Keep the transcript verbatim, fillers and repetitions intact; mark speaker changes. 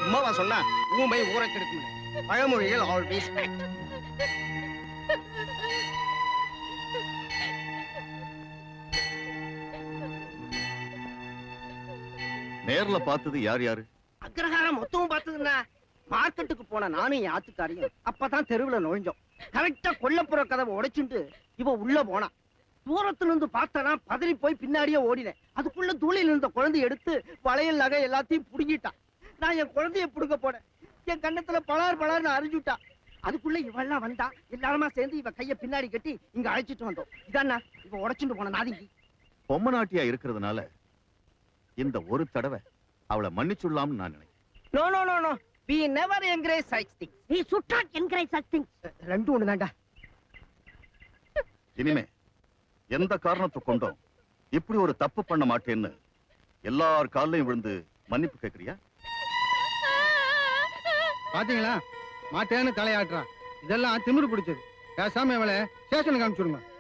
Speaker 1: சும்மாவா சொன்னா ஊமை ஊரை கெடுக்கும். பழமொழிகள் ஆல்வேஸ் கரெக்ட்.
Speaker 2: நேர்ல பார்த்தது யார் யாரு?
Speaker 1: அக்ரஹாரம் மொத்தமும் பார்த்ததுன்னா மார்க்கெட்டுக்கு போன நானும் என் ஆத்துக்காரியும் அப்பதான் தெருவுல நுழைஞ்சோம். கரெக்டா கொல்லப்புற கதவை உடைச்சுட்டு இவ உள்ள போனா. தூரத்துல இருந்து பார்த்தனா பதறி போய் பின்னாடியே ஓடினேன். அதுக்குள்ள தூளில இருந்த குழந்தைய எடுத்து வளையல் நகை எல்லாத்தையும் புடுங்கிட்டான். நான் என் குழந்தைய புடுங்க போனேன். என் கண்ணத்துல பலார் பலார்னு அரைஞ்சுட்டா. அதுக்குள்ள இவெல்லாம் வந்தா எல்லாருமா சேர்ந்து இவ கைய பின்னாடி கட்டி இங்க அழைச்சிட்டு வந்தோம். இதானா இவ உடைச்சுட்டு போன நாதிங்கி.
Speaker 2: பொம்மை நாட்டியா இருக்கிறதுனால இந்த ஒரு தடவை அவளை மன்னிச்சுடலாம்னு நான் நினைக்கிறேன்.
Speaker 1: No no no no we never encourage such things.
Speaker 3: we should not encourage such things.
Speaker 1: ரெண்டு ஒண்ணு தான்டா.
Speaker 2: இனிமே எந்த காரணத்தை கொண்டும் இப்படி ஒரு தப்பு பண்ண மாட்டேன்னு எல்லார் காலையும் விழுந்து மன்னிப்பு கேட்கறியா?
Speaker 4: பாத்தீங்களா மாட்டேன்னு தலையாட்டுறான். இதெல்லாம் திமிரு பிடிச்சது. பேசாம இவளை ஸ்டேஷனுக்கு அனுப்பிச்சுடுங்க.